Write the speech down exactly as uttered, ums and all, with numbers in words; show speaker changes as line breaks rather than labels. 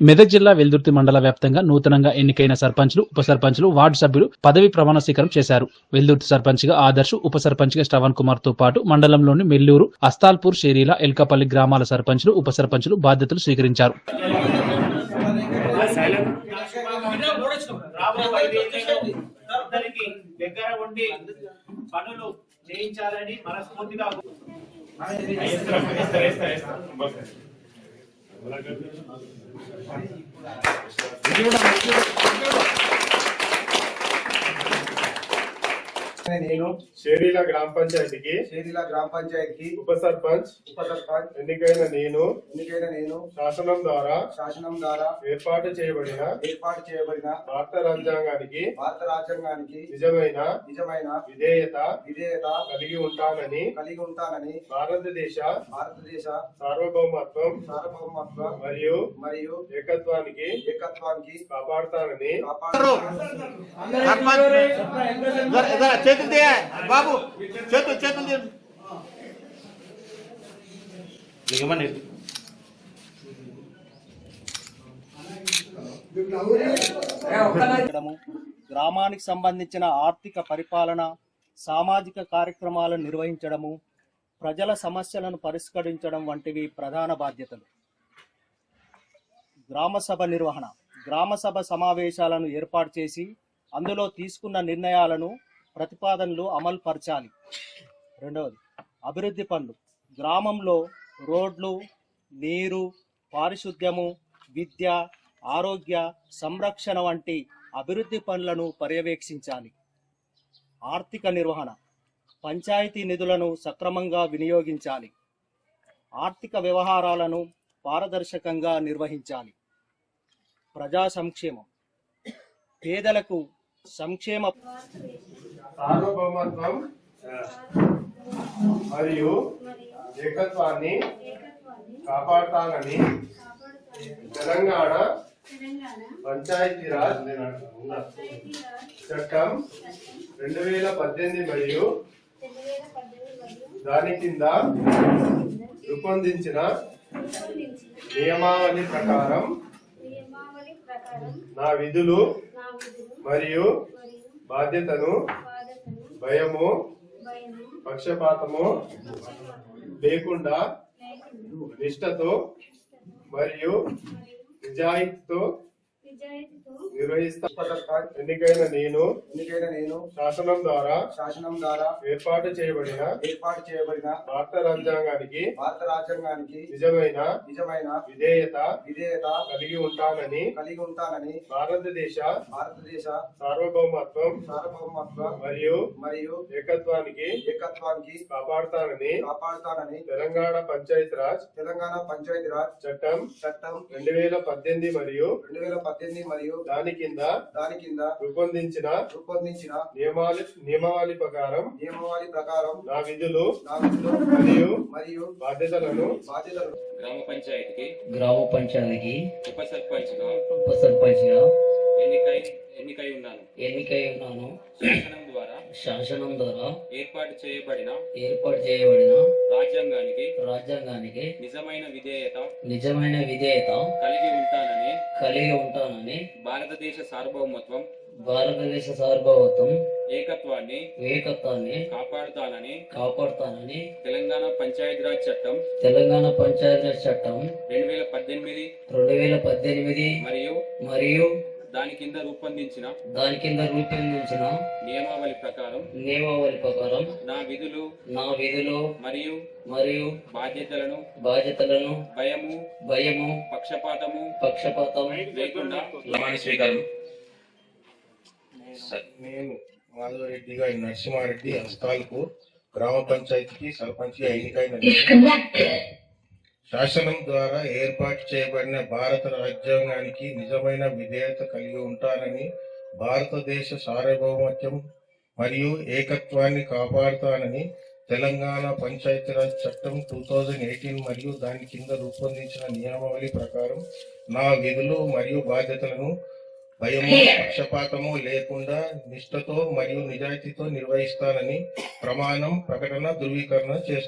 మెదక్ జిల్లా వెల్దుర్తి మండల వ్యాప్తంగా నూతనంగా ఎన్నికైన సర్పంచ్లు ఉప సర్పంచ్లు వార్డు సభ్యులు పదవి ప్రమాణ స్వీకారం చేశారు. వెల్దుర్తి సర్పంచ్ గా ఆదర్శ్, ఉప సర్పంచ్ గా శ్రవణ్ కుమార్ తో పాటు మండలంలోని మెల్లూరు, అస్తాల్పూర్, షేరీల, ఎల్కపల్లి గ్రామాల సర్పంచ్లు ఉప సర్పంచ్లు బాధ్యతలు స్వీకరించారు.
చేయించాలని మనస్ఫూర్తిగా
నేను
షేరీల గ్రామ పంచాయతీకి
షేరీల గ్రామ పంచాయతీకి
ఉప సర్పంచ్
ఉప సర్పంచ్
ఎన్నికైన నేను
ఎన్నికైన నేను
శాసనం ద్వారా
శాసనం ద్వారా
ఏర్పాటు చేయబడిన
ఏర్పాటు చేయబడిన
భారత రాజ్యాంగానికి
భారత రాజ్యాంగానికి
నిజమైన
నిజమైన
విధేయత
విధేయత
కలిగి ఉంటానని
కలిగి ఉంటానని
భారతదేశ
భారతదేశ
సార్వభౌమత్వం
సార్వభౌమత్వం
మరియు
మరియు
ఏకత్వానికి
ఏకత్వానికి
కాపాడుతానని
చేతులు దే బాబు, చేతులు చేతులు దిగమని గ్రామానికి సంబంధించిన ఆర్థిక పరిపాలన, సామాజిక కార్యక్రమాలను నిర్వహించడము, ప్రజల సమస్యలను పరిష్కరించడం వంటివి ప్రధాన బాధ్యతలు. గ్రామసభ నిర్వహణ, గ్రామసభ సమావేశాలను ఏర్పాటు చేసి అందులో తీసుకున్న నిర్ణయాలను, ప్రతిపాదనలు అమలు పరచాలి. రెండవది అభివృద్ధి పనులు, గ్రామంలో రోడ్లు, నీరు, పారిశుద్ధ్యము, విద్య, ఆరోగ్య సంరక్షణ వంటి అభివృద్ధి పనులను పర్యవేక్షించాలి. ఆర్థిక నిర్వహణ, పంచాయతీ నిధులను సక్రమంగా వినియోగించాలి. ఆర్థిక వ్యవహారాలను పారదర్శకంగా నిర్వహించాలి. ప్రజా సంక్షేమం, పేదలకు సంక్షేమ
సార్వభౌమత్వం మరియు ఏకత్వాన్ని కాపాడుతానని తెలంగాణ పంచాయతీరాజ్ చట్టం రెండు వేల పద్దెనిమిది మరియు దాని కింద రూపొందించిన నియమావళి ప్రకారం నా విధులు మరియు బాధ్యతను భయము, పక్షపాతము లేకుండా నిష్ఠతో మరియు నిజాయితీతో నిర్వహిస్తా. ఎన్నికైన నేను
ఎన్నికైన నేను
శాసనం ద్వారా
శాసనం ద్వారా
ఏర్పాటు చేయబడిన
ఏర్పాటు చేయబడిన
భారత రాజ్యాంగానికి
భారత రాజ్యాంగానికి
నిజమైన
నిజమైన
విధేయత
విధేయత
కలిగి ఉంటానని
కలిగి ఉంటానని
భారతదేశ
భారతదేశ
సార్వభౌమత్వం
సార్వభౌమత్వం
మరియు
మరియు
ఏకత్వానికి
ఏకత్వానికి
కాపాడుతానని
కాపాడుతానని
తెలంగాణ పంచాయతీరాజ్
తెలంగాణ పంచాయతీరాజ్
చట్టం
చట్టం
రెండు వేల పద్దెనిమిది మరియు
రెండు వేల పద్దెనిమిది మరియు
దాని కింద
దాని కింద
రూపొందించిన
రూపొందించిన
నియమావళి నియమావళి ప్రకారం
నియమావళి ప్రకారం
నా విధులు
నా విధులు
మరియు
మరియు
బాధ్యతలను
బాధ్యతలు
గ్రామ పంచాయతీకి
గ్రామ పంచాయతీకి
ఉప సర్పంచ్ గా
ఉప సర్పంచ్ గా
ఎన్నికై ఎన్నికై ఉన్నాను.
ఎన్నికై ఉన్నాను.
శాసనం ద్వారా
శాసనం ద్వారా
ఏర్పాటు చేయబడిన
ఏర్పాటు చేయబడిన
రాజ్యాంగానికి
రాజ్యాంగానికి
నిజమైన విధేయత
నిజమైన విధేయత
కలిగి ఉంటానని
కలిగి ఉంటానని
భారతదేశ సార్వభౌమత్వం
భారతదేశ సార్వభౌమత్వం
ఏకత్వాన్ని
ఏకత్వాన్ని
కాపాడుతానని
కాపాడుతానని
తెలంగాణ పంచాయతీరాజ్ చట్టం
తెలంగాణ పంచాయతీరాజ్ చట్టం
రెండు వేల పద్దెనిమిది
రెండు వేల పద్దెనిమిది
మరియు
మరియు
దాని కింద రూపొందించిన
దాని కింద రూపొందించిన
నియమావళి ప్రకారం
నియమావళి ప్రకారం
నా విధులు
నా విధులు
మరియు
మరియు
బాధ్యతలను
బాధ్యతలను
భయము
భయము
పక్షపాతము
పక్షపాతం
లేకుండా
ప్రమాణ స్వీకారం.
నేను మాధవరెడ్డి గారి నరసింహారెడ్డి హస్తాలకు గ్రామ పంచాయతీకి సర్పంచ్ గా ఎన్నికైన శాసనం ద్వారా ఏర్పాటు చేయబడిన భారత రాజ్యాంగానికి నిజమైన విధేయత కలిగి ఉంటానని భారతదేశ సార్వభౌమత్వం మరియు ఏకత్వాన్ని కాపాడుతానని తెలంగాణ పంచాయతీరాజ్ చట్టం టూ థౌజండ్ ఎయిటీన్ మరియు దాని కింద రూపొందించిన నియమావళి ప్రకారం నా విధులు మరియు బాధ్యతలను భయము, పక్షపాతము లేకుండా నిష్ఠతో మరియు నిజాయితీతో నిర్వహిస్తానని ప్రమాణం, ప్రకటన, ధృవీకరణ చేస్తాను.